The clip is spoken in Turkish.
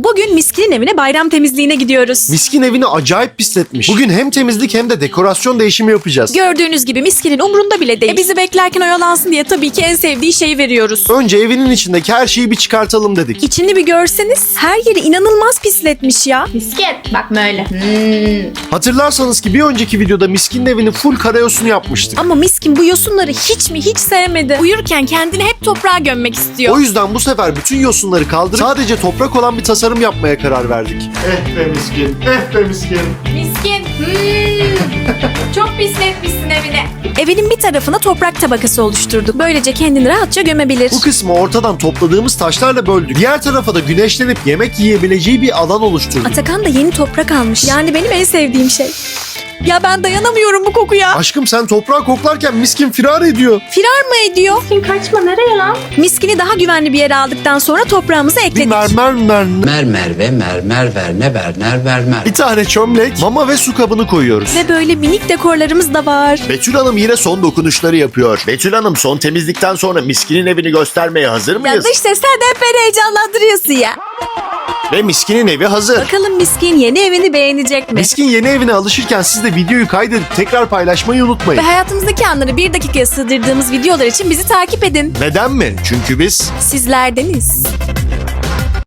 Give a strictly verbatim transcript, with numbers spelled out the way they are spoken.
Bugün Miskin'in evine bayram temizliğine gidiyoruz. Miskin evini acayip pisletmiş. Bugün hem temizlik hem de dekorasyon değişimi yapacağız. Gördüğünüz gibi Miskin'in umrunda bile değil. E bizi beklerken oyalansın diye tabii ki en sevdiği şeyi veriyoruz. Önce evinin içindeki her şeyi bir çıkartalım dedik. İçini bir görseniz her yeri inanılmaz pisletmiş ya. Misket. Bak böyle. Hmm. Hatırlarsanız ki bir önceki videoda Miskin'in evini full karayosunu yapmıştık. Ama Miskin bu yosunları hiç mi hiç sevmedi. Uyurken kendini hep toprağa gömmek istiyor. O yüzden bu sefer bütün yosunları kaldırıp sadece toprak olan bir tasarım yapmaya karar verdik. Eh be Miskin, eh be Miskin. Miskin. Hmm. Çok pisletmişsin evine. Evinin bir tarafına toprak tabakası oluşturduk. Böylece kendini rahatça gömebilir. Bu kısmı ortadan topladığımız taşlarla böldük. Diğer tarafa da güneşlenip yemek yiyebileceği bir alan oluşturduk. Atakan da yeni toprak almış. Yani benim en sevdiğim şey. Ya ben dayanamıyorum bu kokuya. Aşkım sen toprağı koklarken Miskin firar ediyor. Firar mı ediyor? Miskin kaçma, nereye lan? Miskini daha güvenli bir yere aldıktan sonra toprağımızı Bir ekledik. mermer mermer. Mermer ve mermer verne verner vermer. Bir tane çömlek, mama ve su kabını koyuyoruz. Ve böyle minik dekorlarımız da var. Betül Hanım yine son dokunuşları yapıyor. Betül Hanım son temizlikten sonra Miskin'in evini göstermeye hazır Ya mıyız? dış ses sen de hep beni heyecanlandırıyorsun ya. Ve Miskin'in evi hazır. Bakalım Miskin yeni evini beğenecek mi? Miskin yeni evine alışırken siz de videoyu kaydedip tekrar paylaşmayı unutmayın. Ve hayatımızdaki anları bir dakikaya sığdırdığımız videolar için bizi takip edin. Neden mi? Çünkü biz Sizlerdeniz.